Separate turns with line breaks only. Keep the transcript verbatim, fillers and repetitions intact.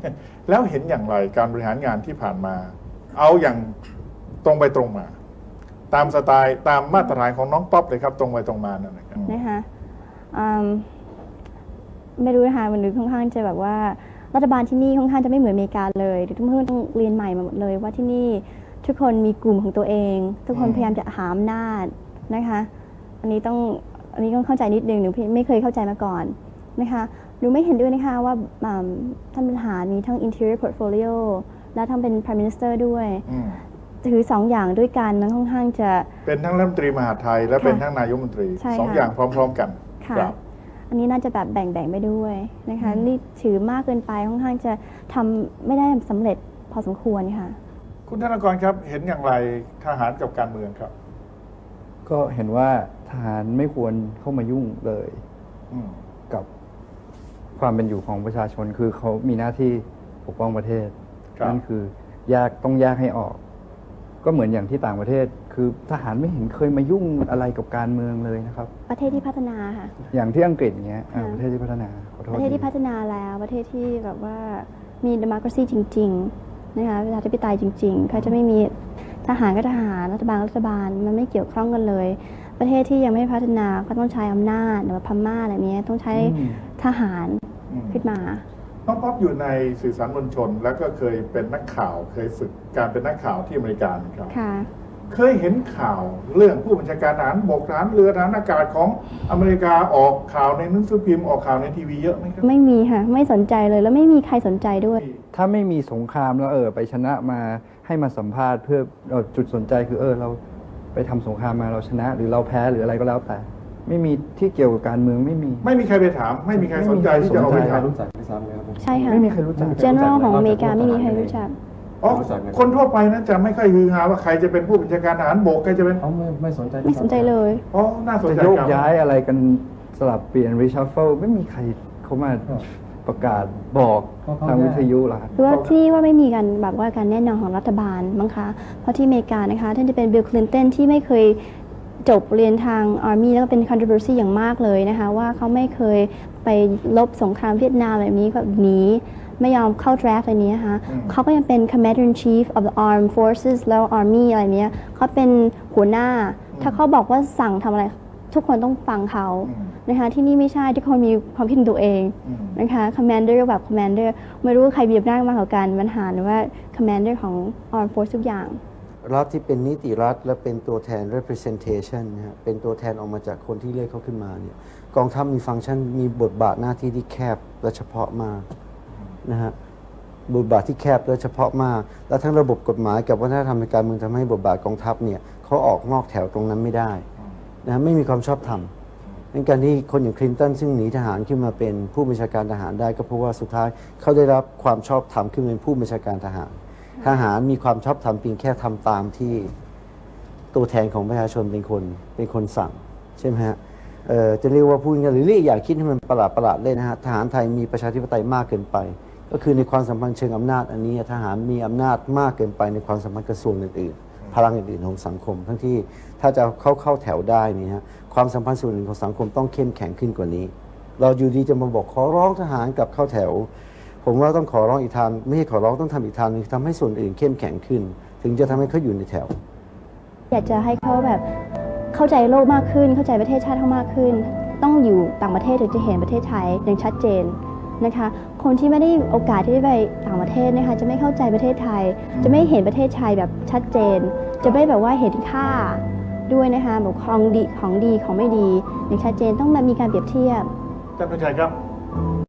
แล้วเห็นอย่างไรการบริหารงานที่ผ่านมา เอาอย่างตรงไปตรงมา ตามสไตล์ตามมาตรฐานของน้องป๊อปเลยครับตรงไปตรงมานั่นนะครับ
นะคะไม่รู้นะคะมันดูค่อนข้างจะแบบว่ารัฐบาลที่นี่ค่อนข้างจะไม่เหมือนอเมริกาเลยทุกคนต้องเรียนใหม่มาหมดเลยว่าที่นี่ทุกคนมีกลุ่มของตัวเองทุกคนพยายามจะหาอำนาจนะคะอันนี้ต้องอันนี้ต้องเข้าใจนิดนึงหนูไม่เคยเข้าใจมาก่อนนะคะหนูไม่เห็นด้วยนะคะว่าท่านบริหารมีทั้ง interior portfolio และทั้งเป็น prime minister ด้วยถือสองอย่างด้วยกันมันค่อนข้างจะ
เป็นทั้งรัฐมนตรีมหาดไทยและเป็นทั้งนายกรัฐมนตรีสองอย่างพร้อมๆกัน
ค่ะอันนี้น่าจะแบบแบ่งๆไปด้วยนะคะนี่ถือมากเกินไปค่อนข้างจะทำไม่ได้สำเร็จพอสมควรค่ะ
คุณธนากรครับเห็นอย่างไรทหารกับการเมืองครับ
ก็เห็นว่าทหารไม่ควรเข้ามายุ่งเลยกับความเป็นอยู่ของประชาชนคือเขามีหน้าที่ปกป้องประเทศนั่นคือแยกต้องแยกให้ออกก็เหมือนอย่างที่ต่างประเทศคือทหารไม่เห็นเคยมายุ่งอะไรกับการเมืองเลยนะครับ
ประเทศที่พัฒนาค่ะ
อย่างที่อังกฤษเงี้ยประเทศที่พัฒนา
ประเทศที่พัฒนาแล้วประเทศที่แบบว่ามี democracy จริงๆนะคะประชาธิปไตยจริงๆเขาจะไม่มีทหารก็ทหารรัฐบาลรัฐบาลมันไม่เกี่ยวข้องกันเลยประเทศที่ยังไม่พัฒนาก็ต้องใช้อำนาจหรือพม่าอะไรนี้ต้องใช้ทหารขึ้นมา
น้องป๊อปอยู่ในสื่อสารมวลชนแล้วก็เคยเป็นนักข่าวเคยฝึกการเป็นนักข่าวที่อเมริกาครับเคยเห็นข่าวเรื่องผู้บัญชาการทหารบกทหารเรือทหารอากาศของอเมริกาออกข่าวในหนังสือพิมพ์ออกข่าวในทีวีเยอะไหมครับ
ไม่มีค่ะไม่สนใจเลยแล้วไม่มีใครสนใจด้วย
ถ้าไม่มีสงครามแล้วเออไปชนะมาให้มาสัมภาษณ์เพื่อจุดสนใจคือเออเราไปทำสงครามมาเราชนะหรือเราแพ้หรืออะไรก็แล้วแต่ไม่มีที่เกี่ยวกับการเมืองไม่มี
ไม่มีใครไปถามไม่มีใครสนใจที่จะเอาไปถาม
รู้จักไม่ซ้ำเลยครับ
ใช่ค่ะ
ไม่มีใครรู้จัก
general ของอเมริกาไม่มีใครรู้จัก
อ๋อคนทั่วไปนะจะไม่ค่อยฮือฮาว่าใครจะเป็นผู้บัญชาการทหารบกใครจะเป็น
อ๋อไม่ไม่สนใจ
ไม่สนใจเลย
อ๋อน่าสนใจ
จะโยกย้ายอะไรกันสลับเปลี่ยน reshuffle ไม่มีใครเขามาประกาศบอกทางวิทยุหรอก
คือว่าที่ว่าไม่มีการแบบว่าการแน่นอนของรัฐบาลมั้งคะเพราะที่อเมริกานะคะท่านจะเป็นบิล คลินตันที่ไม่เคยจบเรียนทาง Army แล้วก็เป็น controversy อย่างมากเลยนะคะว่าเขาไม่เคยไปลบสงครามเวียดนามแบบนี้แบบนี้ไม่ยอมเข้า draft อะไรนี้นะคะเขาก็ยังเป็น commander in chief of the armed forces แล้ว army อะไรเนี้ยเขาเป็นหัวหน้าถ้าเขาบอกว่าสั่งทำอะไรทุกคนต้องฟังเขานะคะที่นี่ไม่ใช่ทุกคนมีความคิดของตัวเองนะคะ commander แบบ commander ไม่รู้ใครมีอำนาจมากกว่ากันปัญหาหรือว่า commander ของ armed force ทุกอย่าง
รัฐที่เป็นนิติรัฐและเป็นตัวแทน representation นะฮะเป็นตัวแทนออกมาจากคนที่เลือกเขาขึ้นมาเนี่ยกองทัพมีฟังก์ชันมีบทบาทหน้าที่ที่แคบและเฉพาะมากนะฮะบทบาทที่แคบและเฉพาะมากและทั้งระบบกฎหมายกับวัฒนธรรมในการเมืองทำให้บทบาทกองทัพเนี่ยเขาออกนอกแถวตรงนั้นไม่ได้นะไม่มีความชอบธรรมในการที่คนอย่างคลินตันซึ่งหนีทหารขึ้นมาเป็นผู้บัญชาการทหารได้ก็เพราะว่าสุดท้ายเขาได้รับความชอบธรรมขึ้นเป็นผู้บัญชาการทหารทหารมีความชอบธรรมเพียงแค่ทำตามที่ตัวแทนของประชาชนเป็นคนเป็นคนสั่งใช่ไหมฮะจะเรียกว่าพูดกันหรือเรียกอย่างคิดให้มันประหลาดประหลาดเลยนะฮะทหารไทยมีประชาธิปไตยมากเกินไปก็คือในความสัมพันธ์เชิงอำนาจอันนี้ทหารมีอำนาจมากเกินไปในความสัมพันธ์กระทรวงอื่นๆพลังอื่นๆของสังคมทั้งที่ถ้าจะเข้าเข้าแถวได้นี่ฮะความสัมพันธ์ส่วนหนึ่งของสังคมต้องเข้มแข็งขึ้นกว่านี้เราอยู่ดีจะมาบอกขอร้องทหารกับเข้าแถวผมว่าต้องขอร้องอีกทางไม่ใช่ขอร้องต้องทำอีกทางนึงทำให้ส่วนอื่นเข้มแข็งขึ้นถึงจะทำให้เขาอยู่ในแถว
อยากจะให้เขาแบบเข้าใจโลกมากขึ้นเข้าใจประเทศชาติเขามากขึ้นต้องอยู่ต่างประเทศถึงจะเห็นประเทศไทยอย่างชัดเจนนะคะคนที่ไม่ได้โอกาสที่ได้ไปต่างประเทศนะคะจะไม่เข้าใจประเทศไทยจะไม่เห็นประเทศไทยแบบชัดเจนจะไม่แบบว่าเห็นค่าด้วยนะคะแบบของดีของดีของไม่ดีอย่างชัดเจนต้องมีการเปรียบเทียบ
ท่านผู้ชมครับ